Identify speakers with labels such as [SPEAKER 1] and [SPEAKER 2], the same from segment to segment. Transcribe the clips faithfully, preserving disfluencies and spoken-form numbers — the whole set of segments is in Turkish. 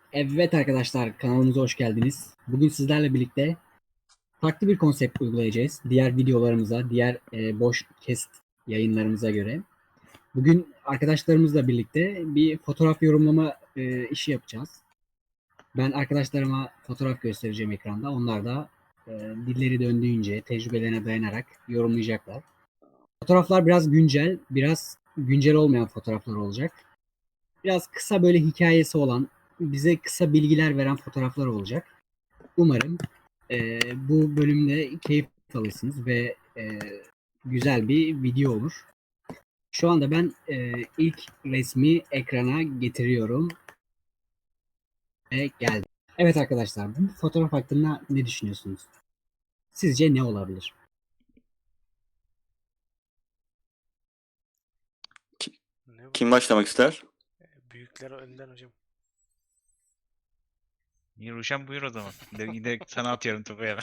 [SPEAKER 1] Evet arkadaşlar, kanalımıza hoş geldiniz. Bugün sizlerle birlikte farklı bir konsept uygulayacağız. Diğer videolarımıza, diğer e, boş kesit yayınlarımıza göre. Bugün arkadaşlarımızla birlikte bir fotoğraf yorumlama e, işi yapacağız. Ben arkadaşlarıma fotoğraf göstereceğim ekranda. Onlar da e, dilleri döndüğünce tecrübelerine dayanarak yorumlayacaklar. Fotoğraflar biraz güncel, biraz güncel olmayan fotoğraflar olacak. Biraz kısa böyle hikayesi olan, bize kısa bilgiler veren fotoğraflar olacak. Umarım e, bu bölümde keyif alırsınız ve e, güzel bir video olur. Şu anda ben e, ilk resmi ekrana getiriyorum ve geldi. Evet arkadaşlar, bu fotoğraf hakkında ne düşünüyorsunuz? Sizce ne olabilir?
[SPEAKER 2] Ne bu?
[SPEAKER 3] Kim başlamak ister?
[SPEAKER 2] Büyükler önden hocam.
[SPEAKER 4] Ruşen buyur o zaman. De, yine sana atıyorum topu hemen.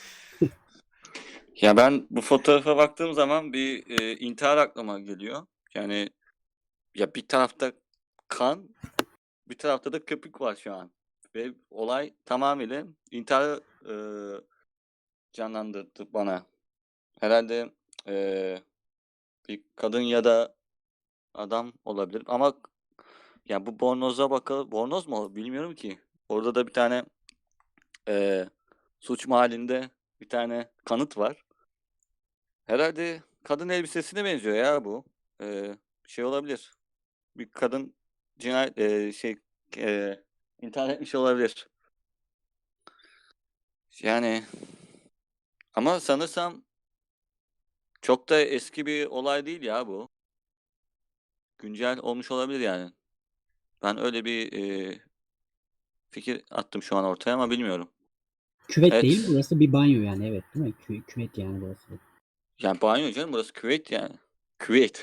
[SPEAKER 3] Ya ben bu fotoğrafa baktığım zaman bir e, intihar aklıma geliyor. Yani ya bir tarafta kan, bir tarafta da köpük var şu an. Ve olay tamamıyla intiharı e, canlandırdı bana. Herhalde e, bir kadın ya da adam olabilir. Ama ya bu bornoza bakalım. Bornoz mu? Bilmiyorum ki. Orada da bir tane e, suç mahallinde bir tane kanıt var. Herhalde kadın elbisesine benziyor ya bu. Ee, şey olabilir. Bir kadın cinayet e, şey e, intihar etmiş olabilir. Yani ama sanırsam çok da eski bir olay değil ya bu. Güncel olmuş olabilir yani. Ben öyle bir e, fikir attım şu an ortaya ama bilmiyorum.
[SPEAKER 1] Küvet değil,
[SPEAKER 3] Evet.
[SPEAKER 1] burası bir banyo yani, evet değil mi? Kü- küvet yani burası.
[SPEAKER 3] Yani banyo canım, burası küvet yani. Küvet.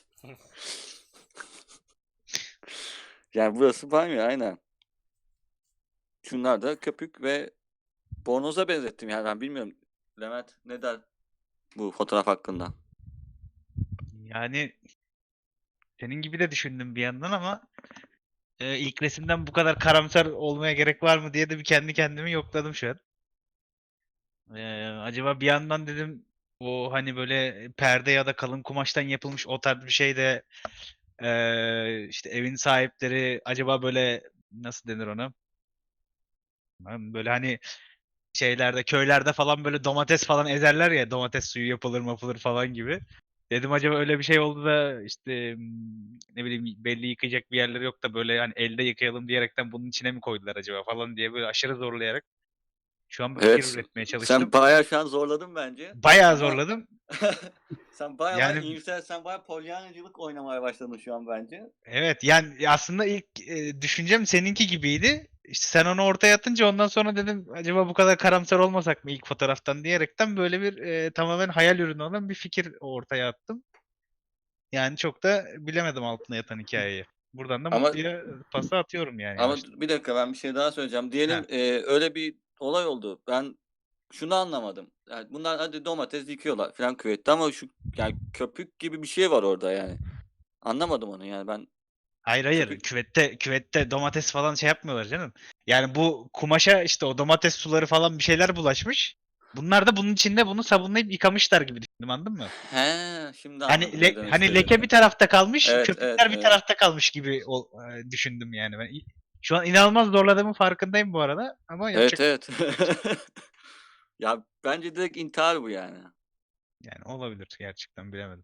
[SPEAKER 3] Yani burası banyo aynen. Şunlar da köpük ve bornoza benzettim yani, ben bilmiyorum. Levent ne der bu fotoğraf hakkında?
[SPEAKER 4] Yani senin gibi de düşündüm bir yandan ama e, ilk resimden bu kadar karamsar olmaya gerek var mı diye de bir kendi kendimi yokladım şu an. E, acaba bir yandan dedim o hani böyle perde ya da kalın kumaştan yapılmış o tarz bir şey de e, işte evin sahipleri acaba böyle nasıl denir ona? Böyle hani şeylerde köylerde falan böyle domates falan ezerler ya, domates suyu yapılır mapılır falan gibi. Dedim acaba öyle bir şey oldu da işte hmm, ne bileyim belli yıkayacak bir yerleri yok da böyle hani elde yıkayalım diyerekten bunun içine mi koydular acaba falan diye böyle aşırı zorlayarak şu an bir fikir
[SPEAKER 3] Evet,
[SPEAKER 4] üretmeye
[SPEAKER 3] sen
[SPEAKER 4] çalıştım.
[SPEAKER 3] bayağı şu an zorladın bence.
[SPEAKER 4] Bayağı
[SPEAKER 3] Ama
[SPEAKER 4] zorladım.
[SPEAKER 3] sen bayağı bayağı
[SPEAKER 4] Yani
[SPEAKER 3] iyimser, sen bayağı polyanacılık oynamaya başladın şu an bence.
[SPEAKER 4] evet, yani aslında ilk e, düşüncem seninki gibiydi. İşte sen onu ortaya atınca ondan sonra dedim acaba bu kadar karamsar olmasak mı ilk fotoğraftan diyerekten böyle bir e, tamamen hayal ürünü olan bir fikir ortaya attım. Yani çok da bilemedim altına yatan hikayeyi. Buradan da
[SPEAKER 3] Ama
[SPEAKER 4] Mutlu'ya pası atıyorum yani
[SPEAKER 3] ama
[SPEAKER 4] yavaştan.
[SPEAKER 3] bir dakika, ben bir şey daha söyleyeceğim.
[SPEAKER 4] Heh.
[SPEAKER 3] Diyelim e, öyle bir olay oldu. Ben şunu anlamadım. Yani bunlar hadi domates dikiyorlar falan küvette ama şu yani köpük gibi bir şey var orada yani. Anlamadım onu yani ben
[SPEAKER 4] Hayır hayır,
[SPEAKER 3] köpük.
[SPEAKER 4] küvette küvette domates falan şey yapmıyorlar canım. Yani bu kumaşa işte o domates suları falan bir şeyler bulaşmış. Bunlar da bunun içinde bunu sabunlayıp yıkamışlar gibi düşündüm, anladın mı?
[SPEAKER 3] He, şimdi
[SPEAKER 4] Hani
[SPEAKER 3] anladım ne
[SPEAKER 4] le-
[SPEAKER 3] demek
[SPEAKER 4] hani leke
[SPEAKER 3] istediğini.
[SPEAKER 4] bir tarafta kalmış,
[SPEAKER 3] Evet, evet,
[SPEAKER 4] köpükler bir
[SPEAKER 3] evet.
[SPEAKER 4] tarafta kalmış gibi ol- e, düşündüm yani ben. İ- Şu an inanılmaz zorladığımın farkındayım bu arada ama
[SPEAKER 3] Evet,
[SPEAKER 4] yapacak
[SPEAKER 3] evet.
[SPEAKER 4] bir şey yok.
[SPEAKER 3] Ya bence direkt intihar bu yani.
[SPEAKER 4] Yani olabilir, gerçekten bilemedim.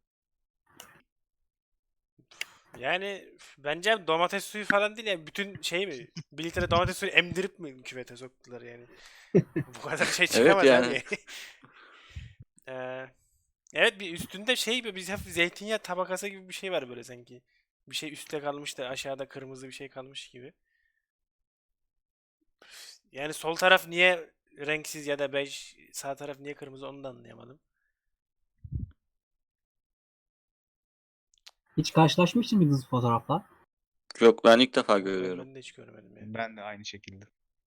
[SPEAKER 2] Yani bence domates suyu falan değil yani bütün şey mi? Bir litre domates suyu emdirip mi küvete soktular yani? Bu kadar şey
[SPEAKER 3] Evet
[SPEAKER 2] çıkamaz
[SPEAKER 3] yani.
[SPEAKER 2] abi. Ee, evet, bir üstünde şey bir biz hafif zeytinyağı tabakası gibi bir şey var böyle sanki. Bir şey üstte kalmış da aşağıda kırmızı bir şey kalmış gibi. Yani sol taraf niye renksiz ya da bej, sağ taraf niye kırmızı onu da anlayamadım.
[SPEAKER 1] Hiç karşılaşmış mıydınız fotoğrafla?
[SPEAKER 3] Yok, ben ilk defa
[SPEAKER 2] Yo, ben,
[SPEAKER 3] görüyorum.
[SPEAKER 2] ben de hiç görmedim yani.
[SPEAKER 4] Ben de aynı şekilde.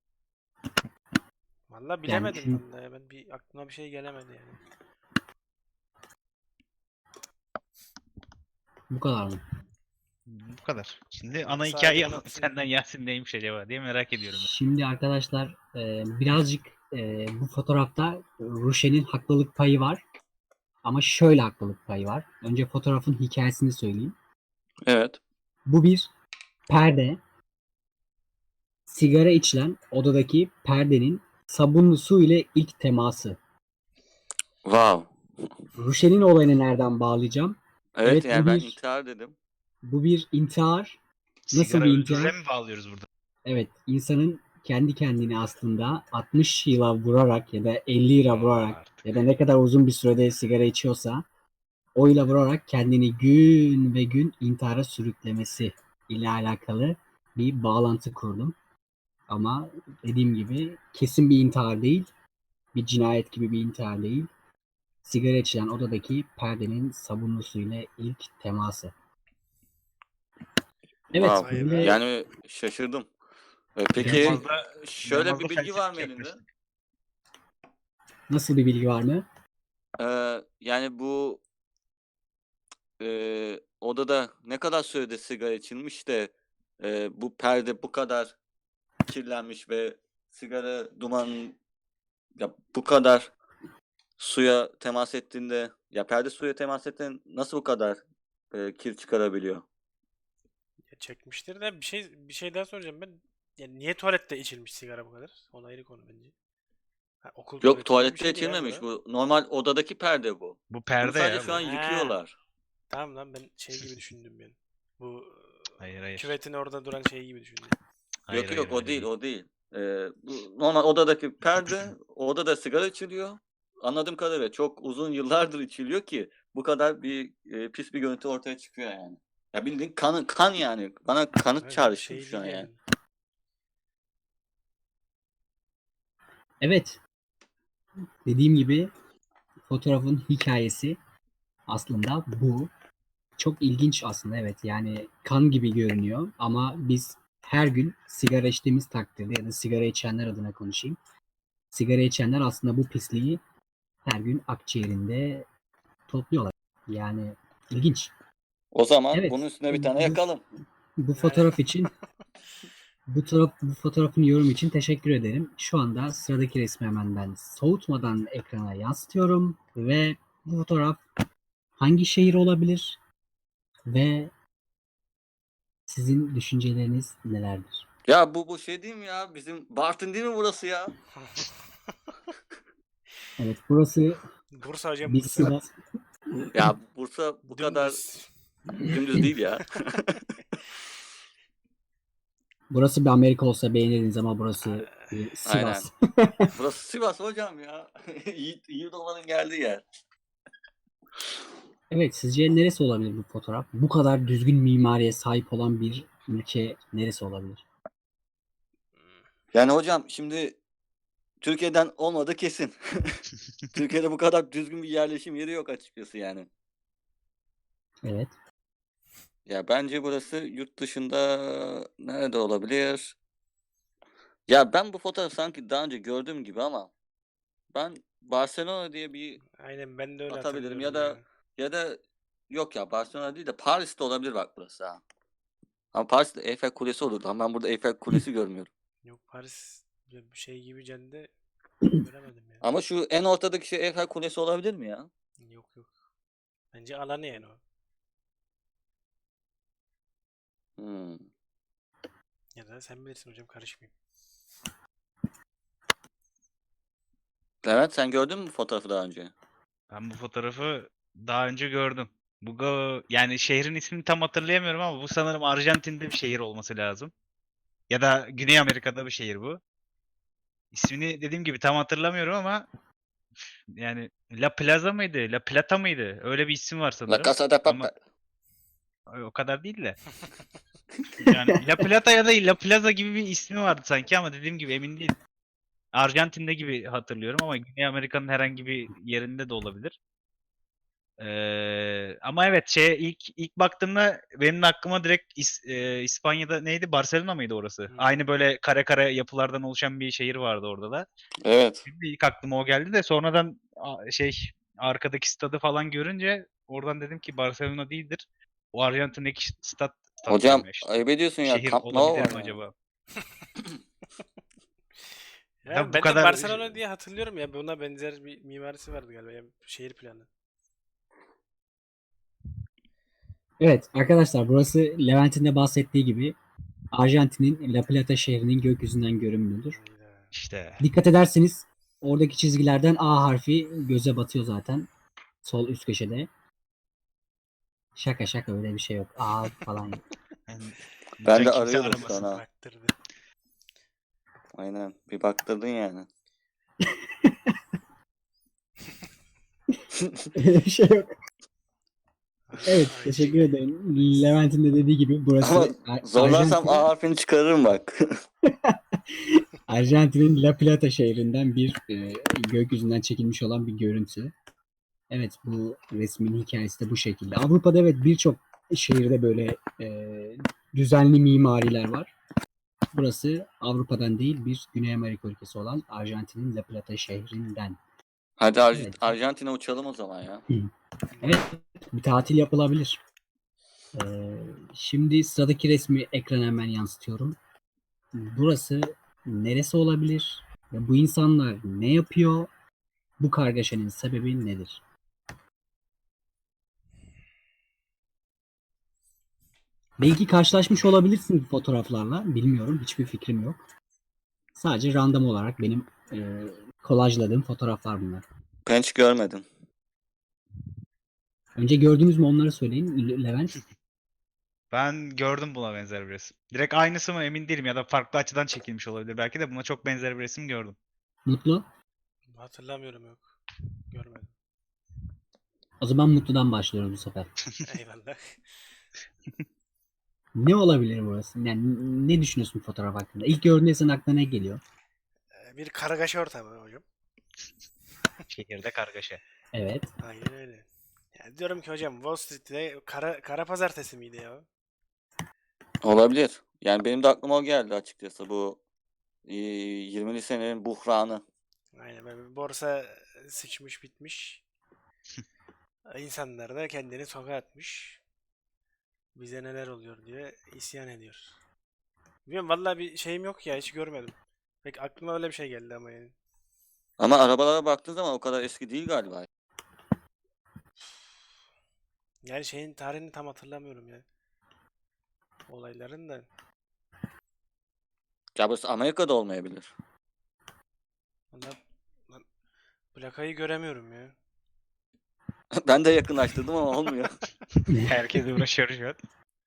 [SPEAKER 2] Vallahi
[SPEAKER 1] Yani
[SPEAKER 2] bilemedim
[SPEAKER 1] şu,
[SPEAKER 2] vallahi ya. Ben bir aklıma bir şey gelemedi yani.
[SPEAKER 1] bu kadar mı?
[SPEAKER 4] Bu kadar. Şimdi
[SPEAKER 2] Yani
[SPEAKER 4] ana
[SPEAKER 2] sadece
[SPEAKER 4] hikayeyi
[SPEAKER 2] anlatsın.
[SPEAKER 4] senden Yasin neymiş acaba diye merak ediyorum.
[SPEAKER 1] Şimdi arkadaşlar e, birazcık e, bu fotoğrafta Ruşen'in haklılık payı var. Ama şöyle haklılık payı var. Önce fotoğrafın hikayesini söyleyeyim.
[SPEAKER 3] Evet.
[SPEAKER 1] Bu bir perde. Sigara içilen odadaki perdenin sabunlu su ile ilk teması.
[SPEAKER 3] Wow.
[SPEAKER 1] Ruşen'in olayını nereden bağlayacağım?
[SPEAKER 3] Evet,
[SPEAKER 1] Evet,
[SPEAKER 3] yani
[SPEAKER 1] bu
[SPEAKER 3] ben
[SPEAKER 1] bir
[SPEAKER 3] intihar dedim.
[SPEAKER 1] bu bir intihar. Nasıl
[SPEAKER 4] Sigara
[SPEAKER 1] bir
[SPEAKER 4] öldürüre
[SPEAKER 1] intihar?
[SPEAKER 4] mi bağlıyoruz burada?
[SPEAKER 1] Evet, insanın kendi kendini aslında altmış yıla vurarak ya da elli yıla
[SPEAKER 4] Aa,
[SPEAKER 1] vurarak
[SPEAKER 4] artık.
[SPEAKER 1] ya da ne kadar uzun bir sürede sigara içiyorsa o ile vurarak kendini gün ve gün intihara sürüklemesi ile alakalı bir bağlantı kurdum. Ama dediğim gibi kesin bir intihar değil, bir cinayet gibi bir intihar değil. Sigara içilen odadaki perdenin sabunlu suyla ilk teması. Evet,
[SPEAKER 3] Wow.
[SPEAKER 2] Vay be.
[SPEAKER 1] böyle
[SPEAKER 3] Yani şaşırdım. E, Peki
[SPEAKER 4] İnanılmaz da,
[SPEAKER 3] şöyle
[SPEAKER 4] inanılmaz da
[SPEAKER 3] bir bilgi var mı
[SPEAKER 4] felsefik
[SPEAKER 3] elinde?
[SPEAKER 4] yaklaştık.
[SPEAKER 1] nasıl bir bilgi var mı?
[SPEAKER 3] Ee, yani bu e, odada ne kadar sürede sigara içilmiş de e, bu perde bu kadar kirlenmiş ve sigara duman ya bu kadar suya temas ettiğinde ya perde suya temas ettiğinde nasıl bu kadar e, kir çıkarabiliyor?
[SPEAKER 2] Ya çekmiştir de bir şey bir şey daha soracağım ben. Yani niye tuvalette içilmiş sigara bu kadar? O ayrı konu bence. Ha, okul
[SPEAKER 3] Yok,
[SPEAKER 2] tuvaleti gibi bir
[SPEAKER 3] tuvalette
[SPEAKER 2] şeydi ya
[SPEAKER 3] içilmemiş
[SPEAKER 2] bura.
[SPEAKER 3] bu. Normal odadaki perde bu.
[SPEAKER 4] Bu
[SPEAKER 3] Bunu
[SPEAKER 4] perde
[SPEAKER 3] sadece
[SPEAKER 4] ya
[SPEAKER 3] şu an
[SPEAKER 4] bu.
[SPEAKER 2] Ha,
[SPEAKER 3] yıkıyorlar.
[SPEAKER 2] tamam lan ben şey gibi düşündüm yani. Bu
[SPEAKER 4] Hayır hayır.
[SPEAKER 2] küvetin orada duran şey gibi düşündüm.
[SPEAKER 4] Hayır
[SPEAKER 3] Yok
[SPEAKER 4] hayır
[SPEAKER 3] yok o
[SPEAKER 4] öyle
[SPEAKER 3] değil
[SPEAKER 4] değil.
[SPEAKER 3] o değil. Ee, bu normal odadaki perde, o odada sigara içiliyor. Anladığım kadarıyla çok uzun yıllardır içiliyor ki bu kadar bir e, pis bir görüntü ortaya çıkıyor yani. Ya bildiğin kan kan yani. Bana kanıt
[SPEAKER 2] Evet,
[SPEAKER 3] çağrıştırdı
[SPEAKER 2] şey
[SPEAKER 3] şu an
[SPEAKER 2] değil
[SPEAKER 3] yani.
[SPEAKER 2] yani.
[SPEAKER 1] Evet, dediğim gibi fotoğrafın hikayesi aslında bu. Çok ilginç aslında, evet, yani kan gibi görünüyor ama biz her gün sigara içtiğimiz takdirde ya da sigara içenler adına konuşayım. Sigara içenler aslında bu pisliği her gün akciğerinde topluyorlar. Yani ilginç.
[SPEAKER 3] O zaman
[SPEAKER 1] Evet,
[SPEAKER 3] bunun üstüne bir tane
[SPEAKER 1] bu,
[SPEAKER 3] yakalım.
[SPEAKER 1] bu
[SPEAKER 2] Yani
[SPEAKER 1] fotoğraf için bu, taraf, bu fotoğrafın yorum için teşekkür ederim. Şu anda sıradaki resmi hemen ben soğutmadan ekrana yansıtıyorum ve bu fotoğraf hangi şehir olabilir ve sizin düşünceleriniz nelerdir?
[SPEAKER 3] Ya bu bu şey değil mi ya? Bizim Bartın değil mi burası ya?
[SPEAKER 1] Evet, burası
[SPEAKER 2] Bursa hocam
[SPEAKER 1] bir
[SPEAKER 2] Bursa.
[SPEAKER 1] Sivas.
[SPEAKER 3] Ya Bursa bu kadar
[SPEAKER 2] Dümdüz.
[SPEAKER 3] dümdüz değil ya.
[SPEAKER 1] Burası bir Amerika olsa beğenirdiniz ama burası bir
[SPEAKER 3] Aynen.
[SPEAKER 1] Sivas.
[SPEAKER 3] Burası Sivas hocam ya. Yiğit, Yiğit olmanın geldiği yer.
[SPEAKER 1] Evet, sizce neresi olabilir bu fotoğraf? Bu kadar düzgün mimariye sahip olan bir ülke neresi olabilir?
[SPEAKER 3] Yani hocam şimdi Türkiye'den olmadı kesin. Türkiye'de bu kadar düzgün bir yerleşim yeri yok açıkçası yani.
[SPEAKER 1] Evet.
[SPEAKER 3] Ya bence burası yurt dışında nerede olabilir? Ya ben bu fotoğrafı sanki daha önce gördüğüm gibi ama ben Barcelona diye bir
[SPEAKER 2] Aynen ben de öyle
[SPEAKER 3] atabilirim ya
[SPEAKER 2] hatırlıyorum
[SPEAKER 3] da
[SPEAKER 2] ya.
[SPEAKER 3] ya da yok ya Barcelona değil de Paris'te olabilir bak burası ha. Ama Paris'te Eiffel Kulesi olurdu ama ben burada Eiffel Kulesi görmüyorum.
[SPEAKER 2] Yok Paris bir şey gibi cadde göremedim ya.
[SPEAKER 3] Ama şu en ortadaki şey Eiffel Kulesi olabilir mi ya?
[SPEAKER 2] Yok yok. Bence alanı yani o.
[SPEAKER 3] Hmm.
[SPEAKER 2] Ya da sen bilirsin hocam karışmayayım.
[SPEAKER 3] Levent sen gördün mü bu fotoğrafı daha önce?
[SPEAKER 4] Ben bu fotoğrafı daha önce gördüm. Bu ga- yani şehrin ismini tam hatırlayamıyorum ama bu sanırım Arjantin'de bir şehir olması lazım. Ya da Güney Amerika'da bir şehir bu. İsmini dediğim gibi tam hatırlamıyorum ama yani La Plaza mıydı? La Plata mıydı? Öyle bir isim var
[SPEAKER 3] La
[SPEAKER 4] sanırım.
[SPEAKER 3] Casa de
[SPEAKER 4] Ama
[SPEAKER 3] Papel.
[SPEAKER 4] o kadar değil de. Yani La Plata ya da La Plaza gibi bir ismi vardı sanki ama dediğim gibi emin değilim. Arjantin'de gibi hatırlıyorum ama Güney Amerika'nın herhangi bir yerinde de olabilir. Ee, ama evet şey ilk ilk baktığımda benim de aklıma direkt İs- e, İspanya'da neydi? Barcelona mıydı orası?
[SPEAKER 2] Hmm.
[SPEAKER 4] Aynı böyle kare kare yapılardan oluşan bir şehir vardı orada da.
[SPEAKER 3] Evet.
[SPEAKER 4] Benim de ilk aklıma o geldi de sonradan a- şey arkadaki stadı falan görünce oradan dedim ki Barcelona değildir. O Arjantin'deki stat
[SPEAKER 3] Hocam
[SPEAKER 4] tatlı işte.
[SPEAKER 3] ayıp ediyorsun ya.
[SPEAKER 4] Şehir
[SPEAKER 3] Camp Nou
[SPEAKER 4] olabilir
[SPEAKER 3] var
[SPEAKER 4] mi
[SPEAKER 3] ya.
[SPEAKER 4] acaba?
[SPEAKER 2] Ya
[SPEAKER 4] Ya bu
[SPEAKER 2] ben de
[SPEAKER 4] kadar-
[SPEAKER 2] Barcelona diye hatırlıyorum ya. Buna benzer bir mimarisi vardı galiba. Ya, şehir planı.
[SPEAKER 1] Evet arkadaşlar, burası Levent'in de bahsettiği gibi Arjantin'in La Plata şehrinin gökyüzünden görünümüdür.
[SPEAKER 2] Hayda.
[SPEAKER 4] İşte.
[SPEAKER 1] Dikkat ederseniz oradaki çizgilerden A harfi göze batıyor zaten. Sol üst köşede. Şaka şaka, öyle bir şey yok. A falan yok.
[SPEAKER 4] Yani
[SPEAKER 3] Ben de
[SPEAKER 4] lütfen kimse
[SPEAKER 3] arıyordum
[SPEAKER 4] aramasın.
[SPEAKER 3] sana.
[SPEAKER 2] Baktırdı.
[SPEAKER 3] Aynen. Bir baktırdın yani.
[SPEAKER 1] Öyle bir şey yok. Evet,
[SPEAKER 2] Ay,
[SPEAKER 1] teşekkür
[SPEAKER 2] şey.
[SPEAKER 1] ederim. Levent'in de dediği gibi burası
[SPEAKER 3] Ama
[SPEAKER 1] Ar-
[SPEAKER 3] zorlarsam
[SPEAKER 1] Arjantin-
[SPEAKER 3] A harfini çıkarırım bak.
[SPEAKER 1] Arjantin'in La Plata şehrinden bir e, gökyüzünden çekilmiş olan bir görüntü. Evet, bu resmin hikayesi de bu şekilde. Avrupa'da evet birçok şehirde böyle e, düzenli mimariler var. Burası Avrupa'dan değil, bir Güney Amerika ülkesi olan Arjantin'in La Plata şehrinden.
[SPEAKER 3] Hadi Ar-
[SPEAKER 1] Evet.
[SPEAKER 3] Arjantin'e uçalım o zaman ya.
[SPEAKER 1] Evet, bir tatil yapılabilir. Ee, şimdi sıradaki resmi ekrana hemen yansıtıyorum. Burası neresi olabilir? Ve bu insanlar ne yapıyor? Bu kargaşanın sebebi nedir? Belki karşılaşmış olabilirsiniz fotoğraflarla. Bilmiyorum. Hiçbir fikrim yok. Sadece random olarak benim e, kolajladığım fotoğraflar bunlar.
[SPEAKER 3] Ben hiç görmedim.
[SPEAKER 1] Önce gördünüz mü onları söyleyin Le- Levent.
[SPEAKER 4] Ben gördüm buna benzer bir resim. Direkt aynısı mı emin değilim ya da farklı açıdan çekilmiş olabilir. Belki de buna çok benzer bir resim gördüm.
[SPEAKER 1] Mutlu.
[SPEAKER 2] Hatırlamıyorum, yok. Görmedim.
[SPEAKER 1] O zaman Mutlu'dan başlıyoruz bu sefer.
[SPEAKER 2] Eyvallah.
[SPEAKER 1] Ne olabilir burası? Yani ne düşünüyorsun fotoğraf hakkında? İlk gördüğünde senin aklına ne geliyor?
[SPEAKER 2] Ee, Bir kargaşa ortamı hocam.
[SPEAKER 4] Şehirde kargaşa.
[SPEAKER 1] Evet.
[SPEAKER 2] Aynen öyle. Yani diyorum ki hocam, Wall Street'te kara, kara pazartesi miydi ya?
[SPEAKER 3] Olabilir. Yani benim de aklıma o geldi açıkçası. Bu e, yirmili senenin buhranı.
[SPEAKER 2] Aynen, böyle borsa sıçmış bitmiş. İnsanlar da kendini sokağa atmış. Bize neler oluyor diye isyan ediyor. Bilmiyorum, vallahi bir şeyim yok ya, hiç görmedim. Pek aklıma öyle bir şey geldi ama yani.
[SPEAKER 3] Ama arabalara baktığın zaman o kadar eski değil galiba.
[SPEAKER 2] Yani şeyin tarihini tam hatırlamıyorum ya. Olayların da.
[SPEAKER 3] Ya burası Amerika'da olmayabilir.
[SPEAKER 2] Vallahi lan, plakayı göremiyorum ya.
[SPEAKER 3] Ben de yakınlaştırdım ama olmuyor.
[SPEAKER 4] Herkes uğraşıyor şu an.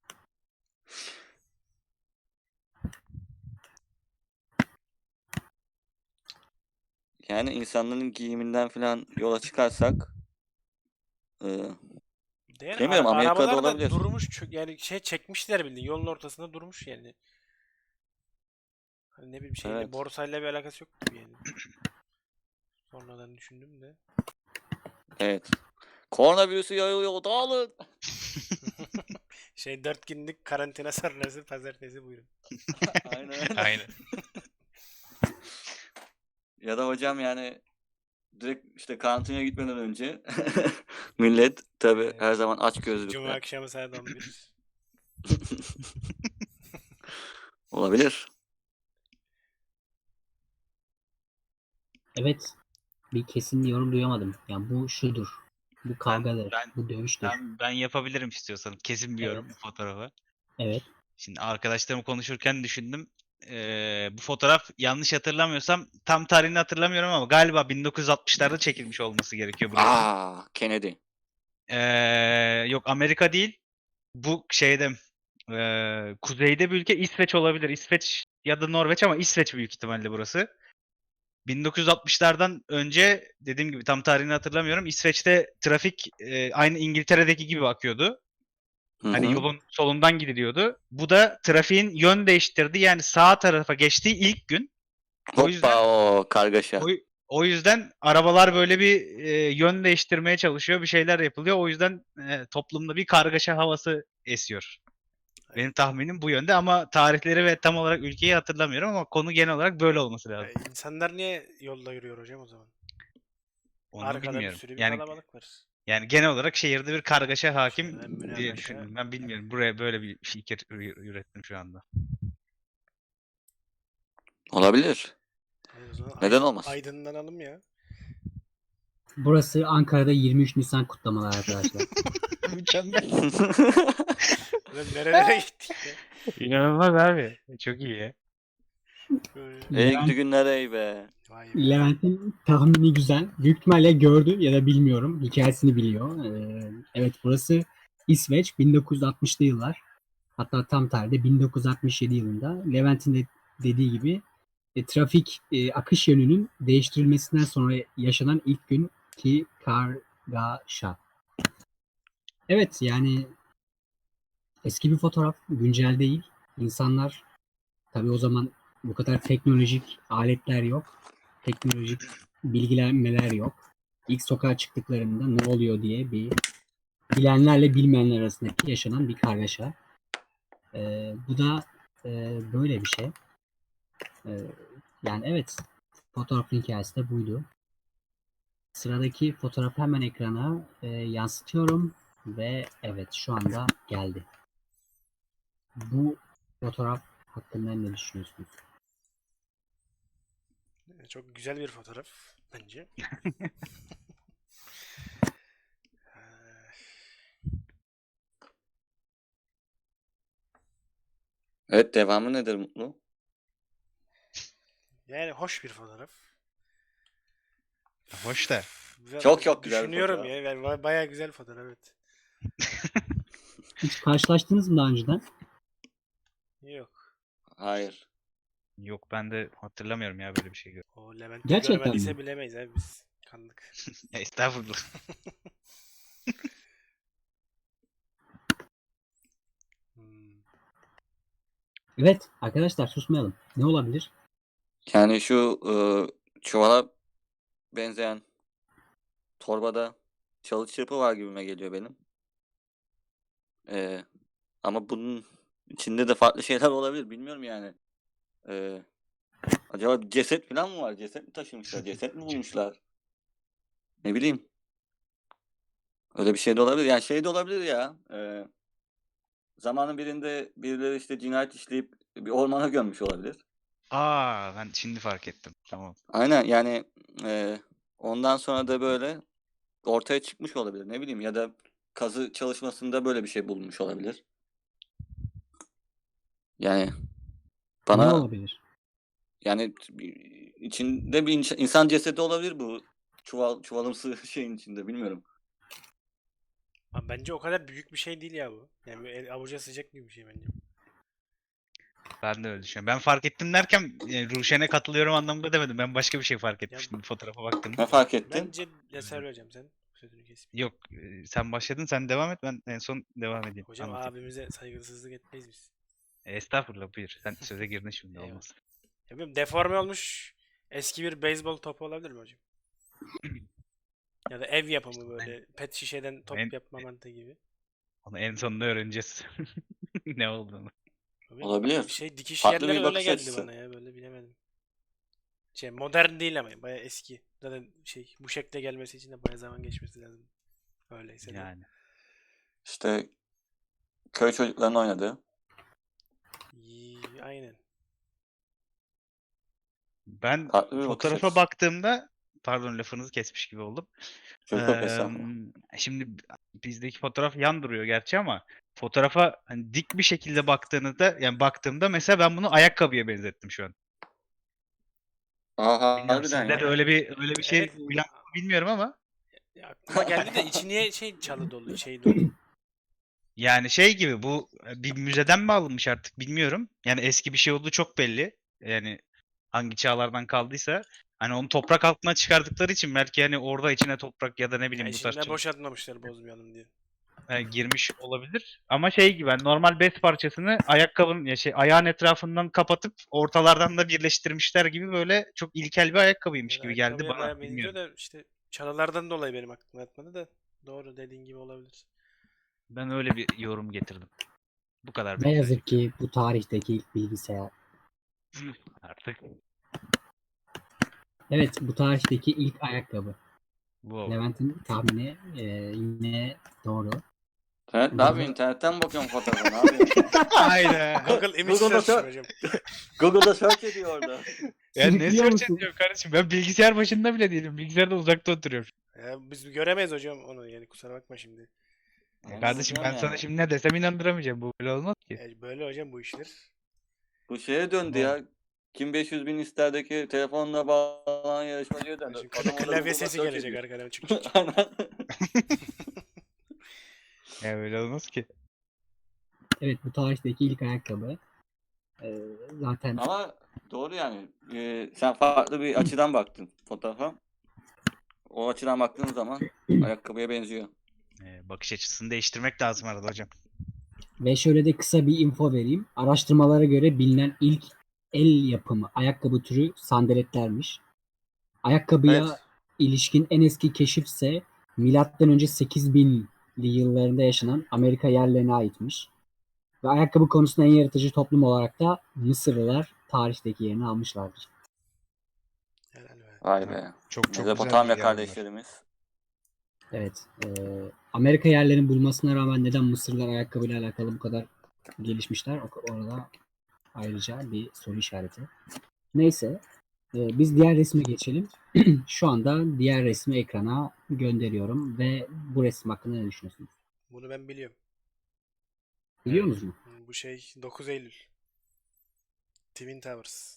[SPEAKER 3] Yani insanların giyiminden falan yola çıkarsak e,
[SPEAKER 2] Yani
[SPEAKER 3] Bilmiyorum,
[SPEAKER 2] ara-
[SPEAKER 3] Amerika'da
[SPEAKER 2] arabalar da
[SPEAKER 3] olabilir.
[SPEAKER 2] durmuş, çö- yani şey çekmişler bildiğin yolun ortasında durmuş yani. Hani ne bileyim, şeyle
[SPEAKER 3] Evet.
[SPEAKER 2] borsayla bir alakası yok gibi yani. Sonradan düşündüm de.
[SPEAKER 3] evet. Koronavirüsü yayılıyor, dağılın.
[SPEAKER 2] Şey, dört günlük karantina sonrası pazartesi buyurun.
[SPEAKER 3] Aynen öyle.
[SPEAKER 4] Aynen.
[SPEAKER 3] Ya da hocam yani direkt işte karantinaya gitmeden önce millet tabii
[SPEAKER 2] Evet.
[SPEAKER 3] her zaman aç
[SPEAKER 2] Cuma
[SPEAKER 3] gözlükler.
[SPEAKER 2] akşamı saat on bir.
[SPEAKER 3] Olabilir.
[SPEAKER 1] Evet. Bir kesin yorum duyamadım. Yani bu şudur. Bu kavgadır.
[SPEAKER 4] ben-
[SPEAKER 1] bu dövüştür.
[SPEAKER 4] Ben, ben yapabilirim istiyorsan. Kesin bir yorum
[SPEAKER 1] Evet.
[SPEAKER 4] bu fotoğrafa.
[SPEAKER 1] Evet.
[SPEAKER 4] Şimdi arkadaşlarım konuşurken düşündüm. Ee, bu fotoğraf yanlış hatırlamıyorsam tam tarihini hatırlamıyorum ama galiba bin dokuz yüz altmışlarda çekilmiş olması gerekiyor bu resmin.
[SPEAKER 3] Aa, Kennedy.
[SPEAKER 4] Ee, yok Amerika değil. Bu şeyde ee, kuzeyde bir ülke İsveç olabilir. İsveç ya da Norveç ama İsveç büyük ihtimalle burası. bin dokuz yüz altmışlardan önce dediğim gibi tam tarihini hatırlamıyorum. İsveç'te trafik ee, aynı İngiltere'deki gibi akıyordu.
[SPEAKER 3] Hı
[SPEAKER 4] Hani
[SPEAKER 3] hı.
[SPEAKER 4] yolun solundan gidiliyordu. Bu da trafiğin yön değiştirdiği yani sağ tarafa geçtiği ilk gün. O
[SPEAKER 3] Hoppa
[SPEAKER 4] yüzden
[SPEAKER 3] o kargaşa.
[SPEAKER 4] o, o yüzden arabalar böyle bir e, yön değiştirmeye çalışıyor, bir şeyler yapılıyor. O yüzden e, toplumda bir kargaşa havası esiyor. Benim tahminim bu yönde ama tarihleri ve tam olarak ülkeyi hatırlamıyorum ama konu genel olarak böyle olması lazım.
[SPEAKER 2] E, İnsanlar niye yolda yürüyor hocam o zaman?
[SPEAKER 4] Onu
[SPEAKER 2] Arkada bir
[SPEAKER 4] bilmiyorum.
[SPEAKER 2] sürü bir
[SPEAKER 4] Yani
[SPEAKER 2] kalabalık var.
[SPEAKER 4] Yani genel olarak şehirde bir kargaşa hakim
[SPEAKER 2] Şehirden
[SPEAKER 4] diye
[SPEAKER 2] münakaşa.
[SPEAKER 4] düşündüm. Ben bilmiyorum. Buraya böyle bir fikir ü- ürettim şu anda.
[SPEAKER 3] Olabilir.
[SPEAKER 2] Hadi o zaman
[SPEAKER 3] Neden
[SPEAKER 2] aydın-
[SPEAKER 3] olmaz?
[SPEAKER 2] aydınlanalım ya.
[SPEAKER 1] Burası Ankara'da yirmi üç Nisan kutlamaları arkadaşlar.
[SPEAKER 4] Mükemmel.
[SPEAKER 2] Ulan nerelere gittik ya?
[SPEAKER 4] İnanılmaz abi. Çok iyi ya.
[SPEAKER 2] Böyle.
[SPEAKER 3] Ey
[SPEAKER 1] Levent-
[SPEAKER 3] gidi günler ey be.
[SPEAKER 2] Vay be.
[SPEAKER 1] Levent'in tahmini güzel. Büyük ihtimalle gördü ya da bilmiyorum. Hikayesini biliyor. Ee, evet, burası İsveç, bin dokuz yüz altmışlı yıllar. Hatta tam tarihte bin dokuz yüz altmış yedi yılında Levent'in de dediği gibi e, trafik e, akış yönünün değiştirilmesinden sonra yaşanan ilk gün ki kargaşa. Evet, yani eski bir fotoğraf, güncel değil. İnsanlar tabii o zaman bu kadar teknolojik aletler yok. Teknolojik bilgilenmeler yok. İlk sokağa çıktıklarında ne oluyor diye bir bilenlerle bilmeyenler arasındaki yaşanan bir kargaşa. Ee, bu da e, böyle bir şey. Ee, yani evet, fotoğrafın hikayesi de buydu. Sıradaki fotoğrafı hemen ekrana e, yansıtıyorum ve evet, şu anda geldi. Bu fotoğraf hakkında ne düşünüyorsunuz?
[SPEAKER 2] Çok güzel bir fotoğraf bence. Ee,
[SPEAKER 3] Evet, devamı nedir Mutlu?
[SPEAKER 2] Yani hoş bir fotoğraf.
[SPEAKER 4] Hoş da.
[SPEAKER 2] Ve
[SPEAKER 3] Çok çok güzel bir
[SPEAKER 2] düşünüyorum
[SPEAKER 3] fotoğraf.
[SPEAKER 2] ya. Yani ba- bayağı güzel fotoğraf, evet.
[SPEAKER 1] Hiç karşılaştınız mı daha önceden?
[SPEAKER 2] Yok.
[SPEAKER 3] Hayır.
[SPEAKER 4] Yok ben de hatırlamıyorum ya böyle bir şey. gör-
[SPEAKER 2] O Levent'i
[SPEAKER 1] Gerçekten
[SPEAKER 2] görmediyse
[SPEAKER 1] mi?
[SPEAKER 2] bilemeyiz abi biz. Kandık.
[SPEAKER 4] Estağfurullah.
[SPEAKER 2] Hmm.
[SPEAKER 1] Evet arkadaşlar, susmayalım. Ne olabilir?
[SPEAKER 3] Yani şu e, çuvala benzeyen torbada çalı çırpı var gibime geliyor benim. E, ama bunun içinde de farklı şeyler olabilir. Bilmiyorum yani. E, acaba ceset falan mı var? Ceset mi taşımışlar? Ceset mi bulmuşlar? Ne bileyim. Öyle bir şey de olabilir. Yani şey de olabilir ya. E, zamanın birinde birileri işte cinayet işleyip bir ormana gömmüş olabilir.
[SPEAKER 4] Aa ben şimdi fark ettim. Tamam.
[SPEAKER 3] Aynen yani e, ondan sonra da böyle ortaya çıkmış olabilir. Ne bileyim ya da kazı çalışmasında böyle bir şey bulunmuş olabilir. Yani
[SPEAKER 1] Ne
[SPEAKER 3] bana
[SPEAKER 1] olabilir?
[SPEAKER 3] yani bir- içinde bir insan, insan cesedi olabilir bu çuval çuvalımsı şeyin içinde bilmiyorum.
[SPEAKER 2] Ama bence o kadar büyük bir şey değil ya bu. Yani böyle el avuca sıcak gibi bir şey bence.
[SPEAKER 4] Ben de öyle düşünüyorum. Ben fark ettim derken e, Ruşen'e katılıyorum anlamında demedim. Ben başka bir şey fark etmiştim bir fotoğrafa baktığımda.
[SPEAKER 3] Ne fark ettin?
[SPEAKER 2] Bence ya söyleyeceğim sen. Sözünü kesmeyeyim.
[SPEAKER 4] Yok e, sen başladın sen devam et ben en son devam edeyim.
[SPEAKER 2] Hocam
[SPEAKER 4] Anlatayım.
[SPEAKER 2] abimize saygısızlık etmeyiz biz.
[SPEAKER 4] E, Estağfurullah buyur. Sen söze girdin şimdi
[SPEAKER 2] Eyvallah.
[SPEAKER 4] olmaz.
[SPEAKER 2] Ya bilmiyorum, deforme olmuş eski bir beyzbol topu olabilir mi hocam? Ya da ev yapımı böyle pet şişeden top
[SPEAKER 4] En,
[SPEAKER 2] yapma mantığı gibi.
[SPEAKER 4] onu en sonunda öğreneceğiz. Ne olduğunu.
[SPEAKER 2] Tabii
[SPEAKER 3] Olabilir.
[SPEAKER 2] şey dikiş
[SPEAKER 3] Farklı
[SPEAKER 2] yerleri
[SPEAKER 3] bir
[SPEAKER 2] öyle
[SPEAKER 3] bakış
[SPEAKER 2] geldi
[SPEAKER 3] açısı.
[SPEAKER 2] bana ya, böyle bilemedim. Şey modern değil ama bayağı eski. Zaten şey bu şekle gelmesi için de bayağı zaman geçmesi lazım. Öyleyse de.
[SPEAKER 4] Yani.
[SPEAKER 3] İşte köy çocuklarının oynadığı.
[SPEAKER 2] İyi, aynen.
[SPEAKER 4] Ben
[SPEAKER 3] Farklı bir bakış
[SPEAKER 4] fotoğrafa
[SPEAKER 3] açısı.
[SPEAKER 4] baktığımda pardon lafınızı kesmiş gibi oldum.
[SPEAKER 3] Yok yok
[SPEAKER 4] Eee,
[SPEAKER 3] estağfurullah.
[SPEAKER 4] şimdi bizdeki fotoğraf yan duruyor gerçi ama fotoğrafa hani dik bir şekilde baktığınızda yani baktığımda mesela ben bunu ayakkabıya benzettim şu an.
[SPEAKER 3] Aha
[SPEAKER 4] Bilmiyorum
[SPEAKER 3] harbiden
[SPEAKER 4] sizde de
[SPEAKER 3] ya.
[SPEAKER 4] öyle bir öyle bir şey
[SPEAKER 2] Evet.
[SPEAKER 4] uyandı mı bilmiyorum ama
[SPEAKER 2] Ya aklıma geldi de içi niye şey çalı dolu, şey dolu.
[SPEAKER 4] yani şey gibi bu e, bir müzeden mi alınmış artık bilmiyorum. Yani eski bir şey olduğu çok belli. Yani hangi çağlardan kaldıysa hani onu toprak altına çıkardıkları için belki hani orada içine toprak ya da ne
[SPEAKER 2] Ya
[SPEAKER 4] bileyim bu tarz
[SPEAKER 2] içinde
[SPEAKER 4] çalı-
[SPEAKER 2] boşaltmamışlar bozmayalım diye.
[SPEAKER 4] e, girmiş olabilir. Ama şey gibi hani normal bez parçasını ayakkabının ya şey ayağın etrafından kapatıp ortalardan da birleştirmişler gibi böyle çok ilkel bir ayakkabıymış
[SPEAKER 2] Yani
[SPEAKER 4] gibi geldi
[SPEAKER 2] ayakkabıya
[SPEAKER 4] bana.
[SPEAKER 2] bayağı benziyor
[SPEAKER 4] Bilmiyorum.
[SPEAKER 2] da işte çalılardan dolayı benim aklıma yatmadı da doğru dediğin gibi olabilir.
[SPEAKER 4] Ben öyle bir yorum getirdim. Bu kadar
[SPEAKER 1] Ne
[SPEAKER 4] benim
[SPEAKER 1] yazık
[SPEAKER 4] söyleyeceklerim.
[SPEAKER 1] ki bu tarihteki ilk bilgisayar.
[SPEAKER 4] Artık
[SPEAKER 1] Evet, bu tarihteki ilk ayakkabı.
[SPEAKER 4] Bu oldu.
[SPEAKER 1] Levent'in tahmini e, yine doğru.
[SPEAKER 3] İnternet ne yapıyorsun? İnternetten mi bakıyorum fotoğrafa? Ne yapıyorsun?
[SPEAKER 4] Aynen.
[SPEAKER 2] Google Image
[SPEAKER 3] Google'da
[SPEAKER 2] Search
[SPEAKER 3] sor-
[SPEAKER 2] hocam.
[SPEAKER 3] Google'da search ediyor orada.
[SPEAKER 4] Ya ne
[SPEAKER 1] Sürüklüyor
[SPEAKER 4] search
[SPEAKER 1] musun?
[SPEAKER 4] ediyorum kardeşim? Ben bilgisayar başında bile değilim. Bilgisayarda uzakta oturuyorum.
[SPEAKER 2] Ya biz göremeyiz hocam onu yani kusura bakma şimdi.
[SPEAKER 4] Ya
[SPEAKER 3] Onu
[SPEAKER 4] kardeşim ben
[SPEAKER 3] hocam
[SPEAKER 4] sana
[SPEAKER 3] yani.
[SPEAKER 4] şimdi ne desem inandıramayacağım. Bu böyle olmaz ki.
[SPEAKER 2] E, böyle hocam bu işler.
[SPEAKER 3] Bu şeye döndü
[SPEAKER 4] Ne
[SPEAKER 3] ya. Kim beş yüz bin isterdeki telefonla bağlanan yarışmacıya döndü.
[SPEAKER 2] Şimdi
[SPEAKER 3] Adam orada
[SPEAKER 2] klavye
[SPEAKER 3] Google'da
[SPEAKER 2] sesi
[SPEAKER 3] search
[SPEAKER 2] gelecek
[SPEAKER 3] ediyor.
[SPEAKER 2] arkadan. Çık çık çık.
[SPEAKER 3] Aynen.
[SPEAKER 4] Ya böyle olmaz ki.
[SPEAKER 1] Evet, bu tarihteki ilk ayakkabı. E, zaten
[SPEAKER 3] Ama doğru yani. Ee, sen farklı bir açıdan baktın fotoğrafa. O açıdan baktığın zaman ayakkabıya benziyor.
[SPEAKER 4] Ee, bakış açısını değiştirmek lazım arada hocam.
[SPEAKER 1] ve şöyle de kısa bir info vereyim. Araştırmalara göre bilinen ilk el yapımı ayakkabı türü sandaletlermiş. Ayakkabıya
[SPEAKER 3] Evet.
[SPEAKER 1] ilişkin en eski keşif ise milattan önce sekiz binli yıllarında yaşanan Amerika yerlerine aitmiş. Ve ayakkabı konusunda en yaratıcı toplum olarak da Mısırlılar tarihteki yerini almışlardır.
[SPEAKER 2] Helal be.
[SPEAKER 3] Vay be.
[SPEAKER 4] Çok çok güzel
[SPEAKER 3] Mezopotamya
[SPEAKER 4] bilgiler bunlar.
[SPEAKER 3] kardeşlerimiz.
[SPEAKER 1] Evet. E, Amerika yerlerini bulmasına rağmen neden Mısırlılar ayakkabıyla alakalı bu kadar gelişmişler? O- Orada ayrıca bir soru işareti. Neyse. e, biz diğer resme geçelim. Şu anda diğer resmi ekrana gönderiyorum ve bu resim hakkında ne düşünüyorsunuz?
[SPEAKER 2] Bunu ben biliyorum.
[SPEAKER 1] Biliyor
[SPEAKER 4] Evet.
[SPEAKER 1] musunuz?
[SPEAKER 2] Hı, Bu şey dokuz Eylül. Twin Towers.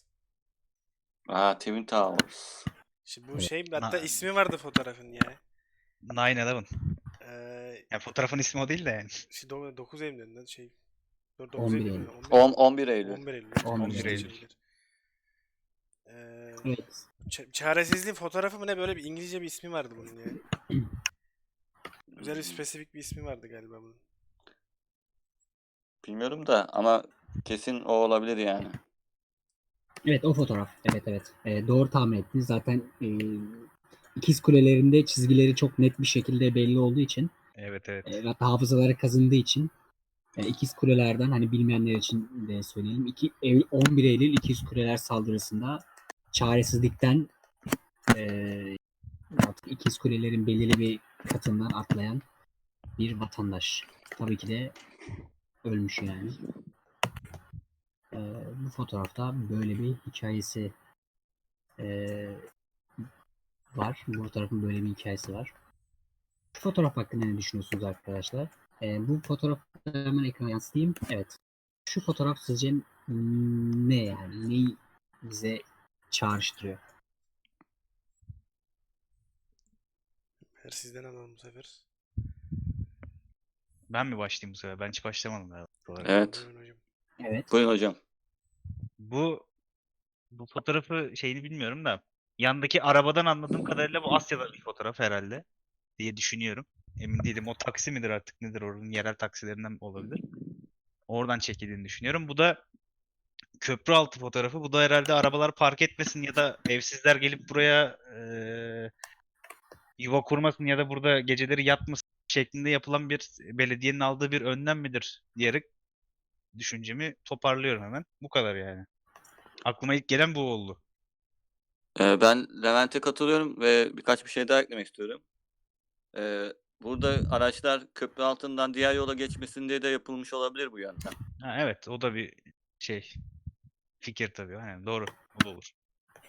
[SPEAKER 3] Aa, Twin Towers.
[SPEAKER 2] Şimdi bu
[SPEAKER 1] Evet.
[SPEAKER 2] şey hatta
[SPEAKER 4] Na-
[SPEAKER 2] ismi vardı fotoğrafın ya.
[SPEAKER 4] nine eleven.
[SPEAKER 2] Ee,
[SPEAKER 4] Ya fotoğrafın ismi o değil de yani.
[SPEAKER 2] şey, dokuz Eylül'den şey. dokuz
[SPEAKER 1] on bir
[SPEAKER 2] Eylül
[SPEAKER 1] Eylül.
[SPEAKER 2] mü?
[SPEAKER 3] on, on bir Eylül.
[SPEAKER 2] on bir Eylül.
[SPEAKER 1] on bir
[SPEAKER 2] on bir
[SPEAKER 4] Eylül.
[SPEAKER 2] Eylül. Ee,
[SPEAKER 1] Evet.
[SPEAKER 2] ç- çaresizliğin fotoğrafı mı ne böyle bir İngilizce bir ismi vardı bunun ya. Özel bir spesifik bir ismi vardı galiba bunun.
[SPEAKER 3] Bilmiyorum da ama kesin o olabilir yani.
[SPEAKER 1] Evet, o fotoğraf. Evet, evet. E, doğru tahmin ettiniz. Zaten e, ikiz kulelerinde çizgileri çok net bir şekilde belli olduğu için
[SPEAKER 4] Evet evet.
[SPEAKER 1] e, hatta hafızalara kazındığı için e, ikiz kulelerden hani bilmeyenler için de söyleyelim. İki, Eylül- on bir Eylül ikiz kuleler saldırısında çaresizlikten e, artık ikiz kulelerin belirli bir katından atlayan bir vatandaş. Tabii ki de ölmüş yani. E, bu fotoğrafta böyle bir hikayesi e, var. Bu fotoğrafın böyle bir hikayesi var. Şu fotoğraf hakkında ne düşünüyorsunuz arkadaşlar? E, bu fotoğrafı hemen ekrana yansıtayım. Evet. Şu fotoğraf sizce ne yani? Neyi bize çağrıştırıyor?
[SPEAKER 2] Her sizden alalım bu sefer.
[SPEAKER 4] Ben mi başlayayım bu sefer? Ben hiç başlamadım galiba. olarak.
[SPEAKER 3] Evet.
[SPEAKER 2] Buyurun hocam.
[SPEAKER 1] Evet.
[SPEAKER 3] Buyurun hocam.
[SPEAKER 4] Bu bu fotoğrafı şeyini bilmiyorum da yandaki arabadan anladığım kadarıyla bu Asya'da bir fotoğraf herhalde diye düşünüyorum. Emin değilim. O taksi midir artık nedir? Oranın yerel taksilerinden olabilir. Oradan çekildiğini düşünüyorum. Bu da köprü altı fotoğrafı. Bu da herhalde arabalar park etmesin ya da evsizler gelip buraya eee, yuva kurmasın ya da burada geceleri yatmasın şeklinde yapılan bir belediyenin aldığı bir önlem midir diyerek düşüncemi toparlıyorum hemen. Bu kadar yani. Aklıma ilk gelen bu oldu.
[SPEAKER 3] Ee, ben Levent'e katılıyorum ve birkaç bir şey daha eklemek istiyorum. Ee, burada araçlar köprü altından diğer yola geçmesin diye de yapılmış olabilir bu yöntem.
[SPEAKER 4] Ha, evet o da bir şey fikir tabii. Yani doğru. O da olur.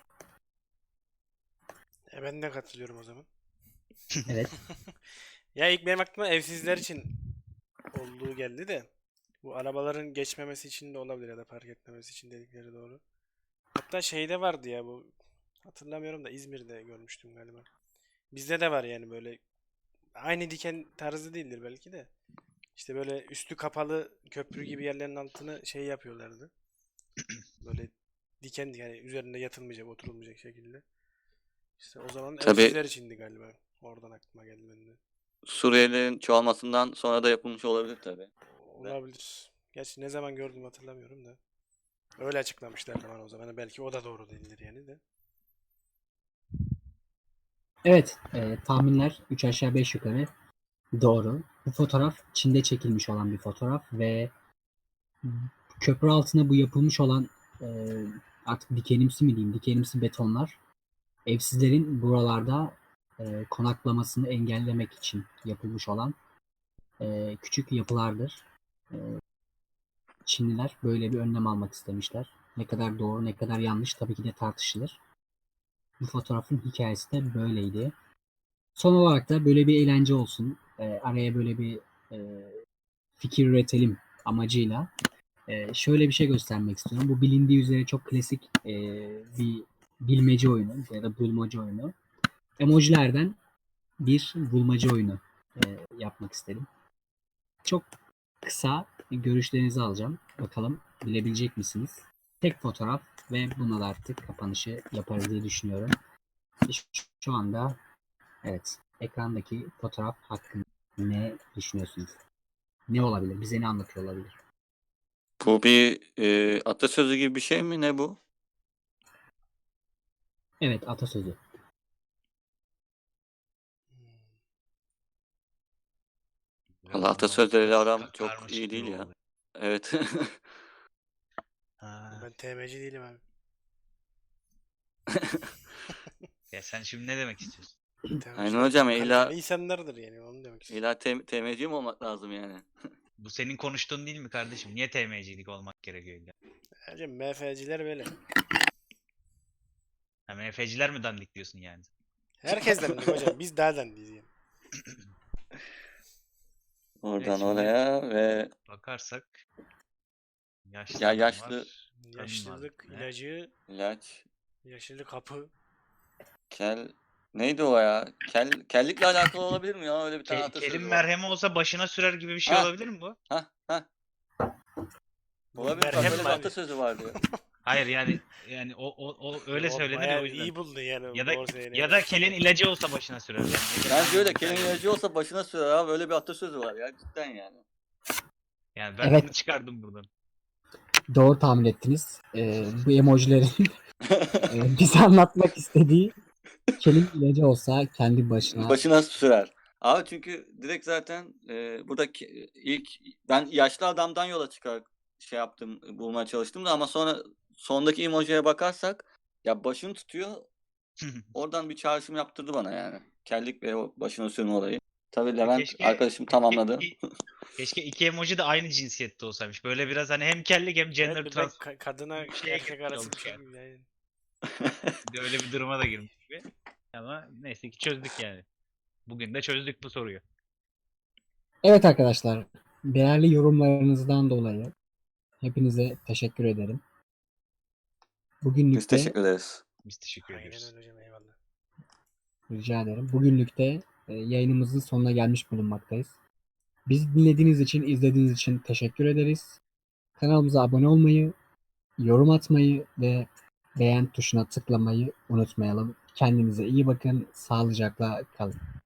[SPEAKER 2] E ben de katılıyorum o zaman.
[SPEAKER 1] Evet.
[SPEAKER 2] Ya ilk benim aklıma evsizler için olduğu geldi de bu arabaların geçmemesi için de olabilir ya da park etmemesi için dedikleri doğru. Hatta şeyde vardı ya bu hatırlamıyorum da İzmir'de görmüştüm galiba. Bizde de var yani böyle aynı diken tarzı değildir belki de. İşte böyle üstü kapalı köprü gibi yerlerin altını şey yapıyorlardı. Böyle diken yani üzerinde yatılmayacak, oturulmayacak şekilde. İşte o zaman
[SPEAKER 3] Tabii
[SPEAKER 2] evsizler içindi galiba. Oradan aklıma geldi benim de.
[SPEAKER 3] Suriyelilerin çoğalmasından sonra da yapılmış olabilir tabii.
[SPEAKER 2] Olabilir. Gerçi ne zaman gördüm hatırlamıyorum da. Öyle açıklamışlardı bana o zaman. Belki o da doğru değildir yani de.
[SPEAKER 1] Evet. e, tahminler üç aşağı beş yukarı doğru. Bu fotoğraf Çin'de çekilmiş olan bir fotoğraf ve köprü altına bu yapılmış olan e, artık dikenimsi mi diyeyim, dikenimsi betonlar evsizlerin buralarda e, konaklamasını engellemek için yapılmış olan e, küçük yapılardır. E, Çinliler böyle bir önlem almak istemişler. Ne kadar doğru, ne kadar yanlış tabii ki de tartışılır. Bu fotoğrafın hikayesi de böyleydi. Son olarak da böyle bir eğlence olsun. E, araya böyle bir e, fikir üretelim amacıyla e, şöyle bir şey göstermek istiyorum. Bu bilindiği üzere çok klasik e, bir bilmece oyunu ya da bulmaca oyunu. Emojilerden bir bulmaca oyunu e, yapmak istedim. Çok kısa görüşlerinizi alacağım. Bakalım bilebilecek misiniz? Tek fotoğraf ve bununla da artık kapanışı yaparız diye düşünüyorum. Şu- Şu anda evet ekrandaki fotoğraf hakkında ne düşünüyorsunuz? Ne olabilir? Bize ne anlatıyor olabilir?
[SPEAKER 3] Bu bir e, atasözü gibi bir şey mi? Ne bu?
[SPEAKER 1] Evet atasözü.
[SPEAKER 4] Biraz
[SPEAKER 3] Valla
[SPEAKER 4] bunlar
[SPEAKER 3] atasözleriyle
[SPEAKER 4] çok
[SPEAKER 3] aram
[SPEAKER 4] ka-
[SPEAKER 3] çok
[SPEAKER 4] karmaşık
[SPEAKER 3] iyi değil
[SPEAKER 4] gibi
[SPEAKER 3] ya.
[SPEAKER 4] oldu.
[SPEAKER 3] Evet.
[SPEAKER 4] Ha.
[SPEAKER 2] Ben T M'ci değilim abi.
[SPEAKER 4] Ya sen şimdi ne demek istiyorsun?
[SPEAKER 3] Aynen
[SPEAKER 2] T M'ciler
[SPEAKER 3] hocam,
[SPEAKER 2] çok
[SPEAKER 3] illa
[SPEAKER 2] kaliteli insanlardır yani onu demek istiyorum.
[SPEAKER 3] illa tem temizci mi olmak lazım yani?
[SPEAKER 4] Bu senin konuştuğun değil mi kardeşim? Niye T M'cilik olmak gerekiyor illa?
[SPEAKER 2] Hocam M F'ciler böyle.
[SPEAKER 4] Ha, M F'ciler mi dandik diyorsun yani?
[SPEAKER 2] Herkes dendik hocam. Biz daha dendiyiz yani.
[SPEAKER 3] Oradan
[SPEAKER 4] şimdi-
[SPEAKER 3] oraya ve
[SPEAKER 4] Bakarsak yaşlı
[SPEAKER 3] Ya
[SPEAKER 4] adam
[SPEAKER 3] yaşlı-
[SPEAKER 4] var. kadın var
[SPEAKER 2] Yaşlılık
[SPEAKER 4] bir tane.
[SPEAKER 2] ilacı,
[SPEAKER 3] ilaç,
[SPEAKER 2] yaşlılık kapı.
[SPEAKER 3] kel neydi o ya? Kel kellikle alakalı olabilir mi ya? Öyle bir tane
[SPEAKER 4] Ke-
[SPEAKER 3] atasözü
[SPEAKER 4] kelin
[SPEAKER 3] var.
[SPEAKER 4] merhemi olsa başına sürer gibi bir şey
[SPEAKER 3] Ha.
[SPEAKER 4] olabilir mi bu?
[SPEAKER 3] Hah hah.
[SPEAKER 2] Bu
[SPEAKER 3] Olabilir, bak
[SPEAKER 2] merhem
[SPEAKER 3] öyle
[SPEAKER 2] mi
[SPEAKER 3] bir
[SPEAKER 2] abi?
[SPEAKER 3] atasözü vardı ya.
[SPEAKER 4] Hayır yani yani o o, o öyle
[SPEAKER 2] O
[SPEAKER 4] söylenir ya
[SPEAKER 2] bayağı
[SPEAKER 4] o yüzden.
[SPEAKER 2] iyi buldun yani.
[SPEAKER 4] Ya da
[SPEAKER 2] Doğru söyleyeyim.
[SPEAKER 4] ya da kelin ilacı olsa başına sürer. Yani.
[SPEAKER 3] Bence öyle, kelin ilacı olsa başına sürer abi. Öyle bir atasözü var ya, cidden yani.
[SPEAKER 4] Yani ben
[SPEAKER 1] Evet.
[SPEAKER 4] bunu çıkardım buradan.
[SPEAKER 1] Doğru tahmin ettiniz. Ee, bu emojilerin e, bize anlatmak istediği kelin ilacı olsa kendi başına
[SPEAKER 3] Başına sürer. Abi çünkü direkt zaten e, buradaki ilk ben yaşlı adamdan yola çıkar şey yaptım, bulmaya çalıştım da ama sonra sondaki emojiye bakarsak ya başını tutuyor. Oradan bir çağrışım yaptırdı bana yani. Kellik ve o başına sürme olayı. Tabii Levent
[SPEAKER 4] Keşke
[SPEAKER 3] arkadaşım
[SPEAKER 4] keşke
[SPEAKER 3] tamamladı.
[SPEAKER 4] iki, keşke iki emoji de aynı cinsiyette olsaymış. Böyle biraz hani hem kellik hem gender
[SPEAKER 2] Evet bir de
[SPEAKER 4] trans
[SPEAKER 2] ka- kadına
[SPEAKER 4] bir şeye
[SPEAKER 2] erkek
[SPEAKER 4] girmiş
[SPEAKER 2] arası bir
[SPEAKER 4] olduk
[SPEAKER 2] şey
[SPEAKER 4] yani.
[SPEAKER 2] gibi yani.
[SPEAKER 4] Bir de öyle bir duruma da girmiş gibi. Ama neyse ki çözdük yani. Bugün de çözdük bu soruyu.
[SPEAKER 1] Evet arkadaşlar, değerli yorumlarınızdan dolayı hepinize teşekkür ederim. Bugünlük
[SPEAKER 3] Biz
[SPEAKER 1] de
[SPEAKER 3] teşekkür ederiz.
[SPEAKER 4] Biz teşekkür
[SPEAKER 2] Aynen
[SPEAKER 4] ediyoruz.
[SPEAKER 2] öyle hocam eyvallah.
[SPEAKER 1] rica ederim. Bugünlük de e, yayınımızın sonuna gelmiş bulunmaktayız. Bizi dinlediğiniz için, izlediğiniz için teşekkür ederiz. Kanalımıza abone olmayı, yorum atmayı ve beğen tuşuna tıklamayı unutmayalım. Kendinize iyi bakın, sağlıcakla kalın.